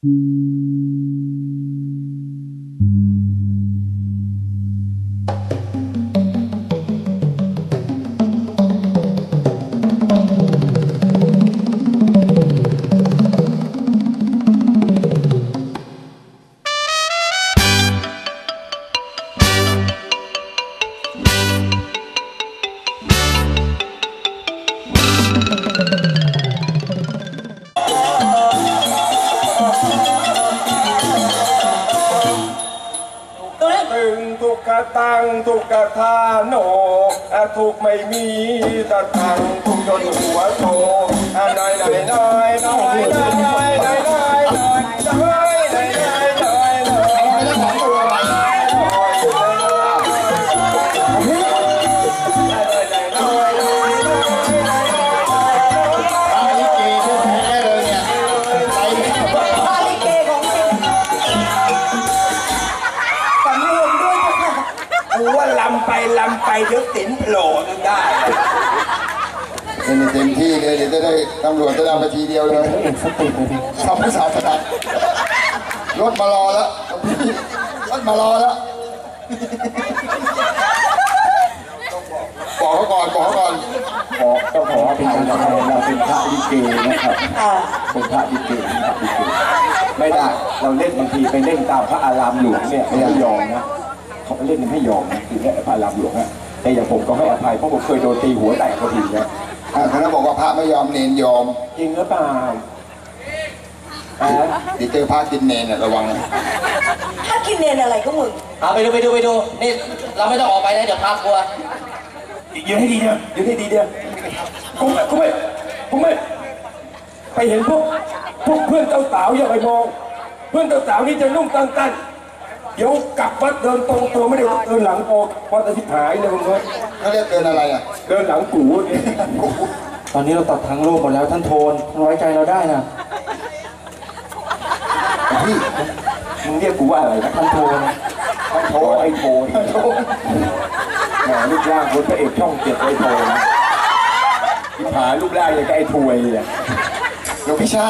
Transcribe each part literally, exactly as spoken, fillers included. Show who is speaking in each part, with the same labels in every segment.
Speaker 1: ตังทุกกะทาโนทุกไม่มีตะตังทุกจนหัวโตน้อยน้อยน้อยน้อยน้อยน้อยน้อยน้อยน้อยน้อยน้อยน้อยน้อยลำไปลำไปเดี๋ยวสินโผล่นึงได้
Speaker 2: เป็นเต็มที่เลยเดี๋ยวจะได้ตำรวจจะได้มาทีเดียวเลยชอบผู้สาวขนาดรถมารอแล้วรถมารอแล้วบอกเขาก่อนบอกเขาก่อน
Speaker 3: ขอต้องขออภัยเราเราเป็นพระลิเกนะครับเป็นพระลิเกพระลิเกไม่ได้เราเล่นบางทีไปเล่นตามพระอารามหลวงเนี่ยไม่ยอมนะเขาเล่นไม่ยอมนะคือแค่พระรามหลวงนะแต่อย่างผมก็ให้อภัยเพราะผมเคยโดนตีหัวแตกพอดีนะ
Speaker 2: เขาแล้วบอกว่าพระไม่ยอมเนนยอม
Speaker 3: จริงหรือเปล่า
Speaker 2: เดี๋ยวเจอพระกินเนนระวัง
Speaker 4: ถ้ากินเนนอะไรก็มึง
Speaker 5: เอาไปดูไปดูไปดูนี่เราไม่ต้องออกไปนะเดี๋ยวพากลัว
Speaker 3: ยืนให้ดีเดียวยืนให้ดีเดียวกูไม่กูไม่กูไม่ไปเห็นพวกพวกเพื่อนเจ้าสาวอย่าไปมองเพื่อนเจ้าสาวนี่จะนุ่งตั้งตั้นเดี๋ยวกลับวัดเดินตรงตัวไม่ได้เดินหลังโอพอจะทิพหายเลยมึงเลย
Speaker 2: เขาเรียกเดินอะไรอ่ะ
Speaker 3: เดินหลังกูนี่ตอนนี้เราตัดทางโลกหมดแล้วท่านโทนน้อยใจเราได้นะพี่มึงเรียกกูว่าอะไรนะท่านโทนท่านโทนไอ้โทนแหมรูปร่างคนพระเอกช่องเจ็ดไอ้โทนทิพหายรูปร่างอย่างกับไอ้ถวยเลย
Speaker 2: หลวงพี่ชา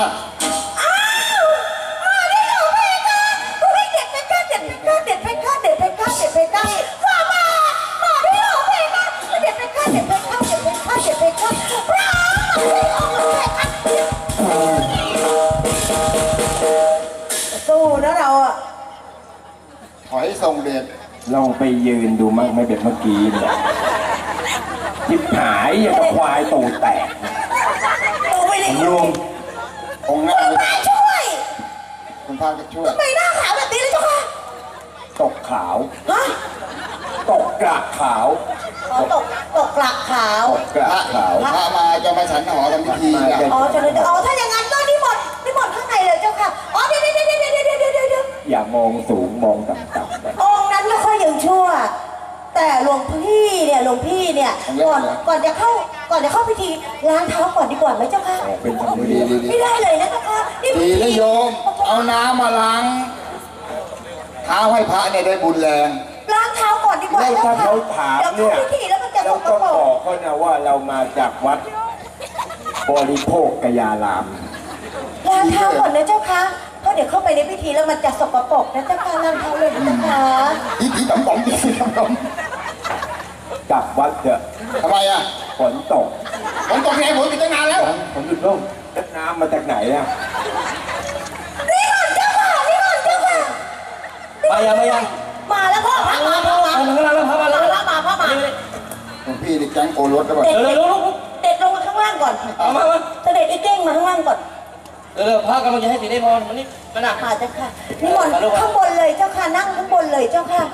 Speaker 4: สู้นะเราอ่ะ
Speaker 2: ถอยส่งเด็ด
Speaker 3: ลองไปยืนดูมั่งไม่เป็นเมื่อกี้เนี่ยทิพหายอย่างกับควายตูดแตกรวม
Speaker 2: องค์หน้า
Speaker 4: ช่วย
Speaker 2: คุณพาก็ช่วย
Speaker 4: ทำไมหน้าขาวแบบนี้เลยเจ้าค่ะ
Speaker 3: ตกขาวตกกระขาว
Speaker 4: ตกตกกระขาว
Speaker 3: กระขาว
Speaker 2: พระมาจะมาฉันหอทำพิธี
Speaker 4: อ๋อจะเลยอ๋อถ้าอย่างนั้นก็นิมนต์นิมนต์ข้างในเลยเจ้าค่ะอ๋อเดี๋ยวเดี๋ยวเดี๋ยวเดี๋ยวเดี๋ยวเดี๋ยวเดี๋ยว
Speaker 3: อย่ามองสูงมองต่ำๆ
Speaker 4: องค์นั้นไม่ค่อยยังชั่วแต่หลวงพี่เนี่ยหลวงพี่เนี่ยก่อนก่อนจะเข้าก่อนจะเข้าพิธีล้างเท้าก่อนดีกว่าไหมเจ้าค่ะ
Speaker 3: เป็นธรรมดี
Speaker 4: ไม่ได้เลยนะเจ้าค่ะ
Speaker 2: ดีนะโยมเอาน้ำมาล้างเท้าให้พระเนี่ยได้บุญแรง
Speaker 4: ล้างเท้าก่อนดีกว่า
Speaker 3: ถ้าเขาถามเนี่ยเราต้องบอกเขานะว่าเรามาจากวัดบริโภคกยาราม
Speaker 4: ล้างเท้าก่อนนะเจ้าค่ะเพราะเดี๋ยวเข้าไปในพิธีแล้วมันจะสกปรกนะเจ้าค่ะล้างเท้าเลยนะเจ้าค่ะ
Speaker 2: อีอีต่ำต่ำอีต่ำต่
Speaker 3: ำกลับวัดเถอะ
Speaker 2: ทำไมอ่ะ
Speaker 3: ฝนตก
Speaker 2: ฝนตกไงฝนติดตั้งนานแล้ว
Speaker 3: ฝนหยุดลงน้ำมาจากไหนอ่ะ
Speaker 4: นี่ก่อนเจ้าค่ะนี่ก่อนเจ้าค่ะ
Speaker 5: มายังมายัง
Speaker 4: มาแล้วพ่อพระมาพ่อมา
Speaker 5: มาแล้วพ่อมาแล้ว
Speaker 4: พ่อมาพ่อมา
Speaker 2: หลวงพี่นี่แก๊งโกรถแล้วแบบ
Speaker 4: เด็ดเด็ดลงมาข้างล่างก่อน
Speaker 5: เอามามา
Speaker 4: เสด็จไอ้เก้งมาข้างล่างก่อน
Speaker 5: เร็วๆพระกำลังจะให้สีได้พรมันนี่มาหนัก
Speaker 4: มาเจ้าค่ะนิมนต์ข้างบนเลยเจ้าค่ะนั่งข้างบนเลยเจ้าค่ะ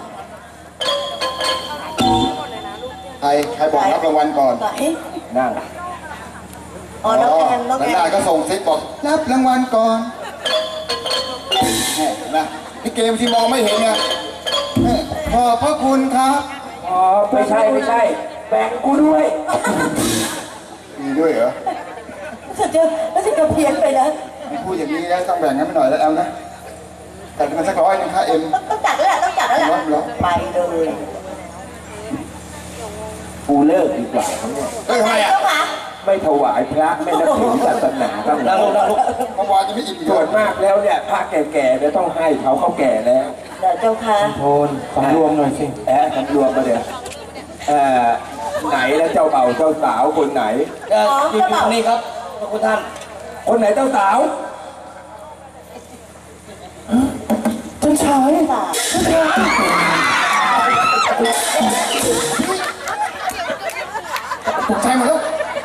Speaker 2: ใครใครบอกรับรางวัลก่อน
Speaker 3: นั่ง
Speaker 4: อ๋อน้องแอนน้องแอน
Speaker 2: ได้ก็ส่งซิกบอกรับรางวัลก่อนนะพี่เกมที่มองไม่เห็นไงขอบพระคุณครับ
Speaker 3: อ๋อไม่ใช่ไม่ใช่แบ่งกูด้วย
Speaker 2: มีด้วยเหรอ
Speaker 4: รู้สึกจะรู้สึกจะเพี้ยนไปนะ
Speaker 2: พูดอย่างนี้นะต้องแบ่งกันไปหน่อยแล้วแอลนะจัดมันสักร้อยนึงค่าเอ็ม
Speaker 4: ต้องจัดแล้วแหละต้องจัดแล้วแหละไปเลย
Speaker 3: กูเลิกดีกว่าทั้งหมด
Speaker 2: เฮ้ยทำไมอ่ะ
Speaker 3: ไม่ถวายพระไม่นับถือศาสนาครับ
Speaker 5: นั่งลงนั่งลง
Speaker 2: เมื่อวานจะไม่อิ่มอีก
Speaker 3: ส่วนมากแล้วเนี่ยพระแก่ๆเนี่ยต้องให้เขาเขาแก่แล้ว
Speaker 4: เดี๋ยวเจ้าค่ะ
Speaker 3: โทนสำรวมหน่อยสิแอะสำรวมมาเดี๋ยวเอ่อไหนแล้วเจ้าเบ่าวเจ้าสาวคนไหน
Speaker 5: เอ่ออยู่อยู่ตรงนี้ครับพระคุณท่าน
Speaker 3: คนไหนเจ้าสาว
Speaker 4: เจ้าชายค่ะ
Speaker 2: ตกใจหมดแล้ว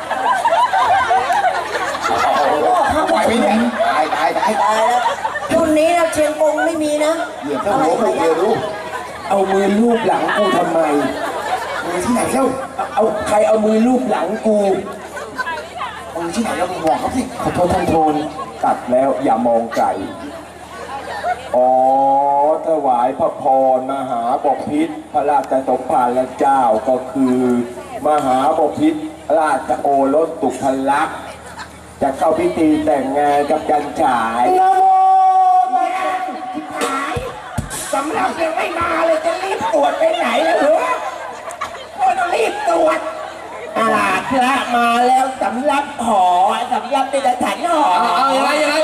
Speaker 2: ไหวไหมเนี่ยตายตายตาย
Speaker 4: ตายแล้วรุ่นนี้นะเชียงกงไม่มีนะ
Speaker 2: เหยียบเจ้าหัวกูเดียวรู้
Speaker 3: เอามือลูบหลังกูทำไม
Speaker 2: มือที่ไหนเล่า
Speaker 3: เอาใครเอามือลูบหลังกู
Speaker 2: มือที่ไหนเรามึงบอกเขาสิ
Speaker 3: ขอโทษท่านโทนตัดแล้วอย่ามองไกลอ๋อถวายพระพรมหาบพิตรพระราชสมภารเจ้าก็คือ มหาบพิตรราชโอรสสุภลักษณ์จะเข้าพิธีแต่งงานกับจันฉายสำหรับยังไม่มาเลยจะรีบตรวจไปไหนแล้วเหรอก็ต้องรีบตรวจอาพระมาแล้วสำรับหอสำรับเป็นฉันหอ
Speaker 5: เอาเอายังไงยังไง